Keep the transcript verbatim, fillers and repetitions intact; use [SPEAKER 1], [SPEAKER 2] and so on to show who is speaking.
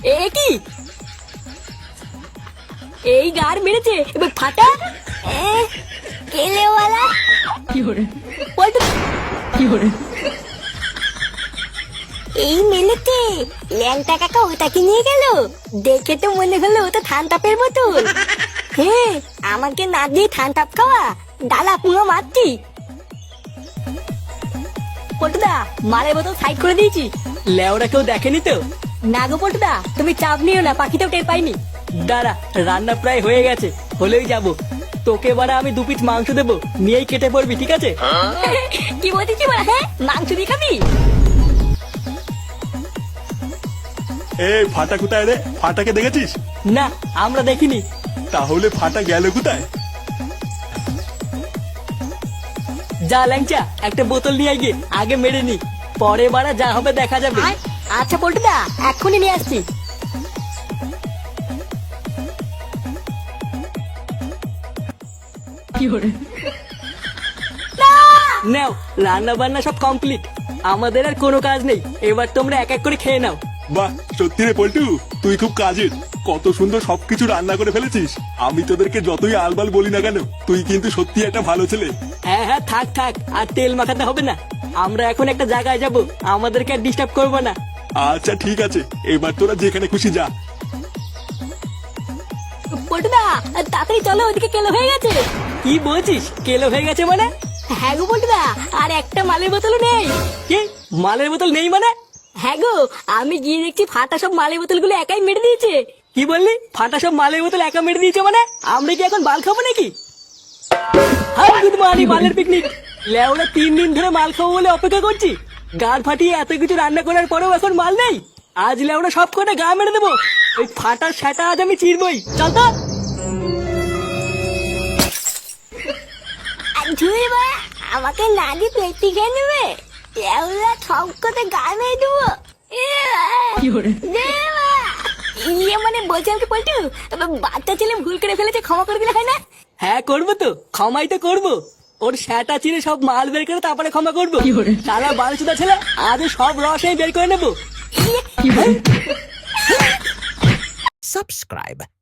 [SPEAKER 1] এ কি এই গার মেরেছে এবার ফাটা কেলেওয়ালা
[SPEAKER 2] কি হরে
[SPEAKER 1] পল্টু
[SPEAKER 2] কি হরে
[SPEAKER 1] এই মেলেতে ল্যাংটা কাকা ওটাকে নিয়ে গেল। দেখে তো মনে হলো ওটা থানতাপের বোতল। হ্যাঁ আমাকে না দিয়ে থানতাপ খাওয়া ডালা পুরো মারতি। পল্টুদা মালের বোতল সাইড করে দিয়েছি।
[SPEAKER 3] লেওরা কেউ দেখেনি তো?
[SPEAKER 1] না গো পল্টুদা তুমি চাপ নিও না, পাখিতেও টের পাইনি।
[SPEAKER 3] দাঁড়া, রান্না প্রায় হয়ে গেছে, হলেই যাব। তোকে এবারে আমি দু পিস মাংস দেবো, নিয়েই কেটে পড়বি, ঠিক আছে?
[SPEAKER 1] কি বলছিস বলা? হ্যাঁ মাংস দিয়ে খাবি?
[SPEAKER 4] এই ফাটা কোথায় রে? ফাটাকে দেখেছিস?
[SPEAKER 3] না, আমরা দেখিনি।
[SPEAKER 4] তাহলে ফাটা গেল কোথায়?
[SPEAKER 3] যা ল্যাংচা, একটা বোতল নিয়ে গিয়ে আগে মেরে নি, পরে বারা যা হবে দেখা যাবে।
[SPEAKER 1] আচ্ছা পল্টুদা এক্ষুনি নিয়ে আসছি।
[SPEAKER 2] কি হরে
[SPEAKER 3] নাও, রান্না বান্না সব কমপ্লিট, আমাদের আর কোনো কাজ নেই। এবার তোমরা এক এক করে খেয়ে নাও।
[SPEAKER 4] বাহ, সত্যি রে পল্টু, তুই খুব কাজের। কত সুন্দর সবকিছু রান্না করে ফেলেছিস। আমি তোদেরকে যতই আলবাল বলি না কেন, তুই কিন্তু সত্যি একটা ভালো ছেলে।
[SPEAKER 3] হ্যাঁ হ্যাঁ, থাক থাক, আর তেল মাখাতে হবে না। আমরা এখন একটা জায়গায় যাব, আমাদেরকে আর ডিস্টার্ব করবো না।
[SPEAKER 4] আচ্ছা ঠিক আছে, এবার তোরা যেখানে খুশি যা।
[SPEAKER 1] পল্টুদা তাড়াতাড়ি চলো, ওদিকে কেলো হয়ে গেছে।
[SPEAKER 3] কি বলছিস? কেলো হয়ে গেছে মানে?
[SPEAKER 1] হ্যাঁ গো পল্টুদা, আর একটা মালের বোতলও নেই।
[SPEAKER 3] কি মালের বোতল নেই মানে?
[SPEAKER 1] হ্যাঁ গো, আমি গিয়ে দেখছি ফাটা সব মালের বোতলগুলো একাই মেরে দিয়েছে।
[SPEAKER 3] কি বললি? ফাটা সব মালের বোতল একা মেরে দিয়েছে মানে? আমরা কি এখন বাল খাবো নাকি? হাই গুড মর্নিং, মালের পিকনিক। লেওরা তিন দিন ধরে মাল খাবো বলে অপেক্ষা করছি, গাড় ফাটিয়ে এত কিছু রান্না করার পরেও এখন মাল নেই। আজ লেওরা সব কটা গা মেরে দেবো। ওই ফাটার সেটা আজ আমি চিরবই। চল তো।
[SPEAKER 1] ধুই বা আমাকে না দিয়ে পেটি খেয়ে নেবে। লেউলা ঠক করে গা মেরে দেবো।
[SPEAKER 2] কি হরে
[SPEAKER 1] ইয়ে মানে বলছিলাম কি পল্টু, বাচ্চা ছেলে ভুল করে ফেলেছে, ক্ষমা করে দিলে হয় না?
[SPEAKER 3] হ্যাঁ করবো তো, ক্ষমাই তো করবো। ওর সেটা চিরে সব মাল বের করে তারপরে ক্ষমা করবো।
[SPEAKER 2] কি বলে?
[SPEAKER 3] সারা বালচুদা ছেলে, আজ সব রস আমি বের করে নেবো।
[SPEAKER 2] কি হরে
[SPEAKER 5] Subscribe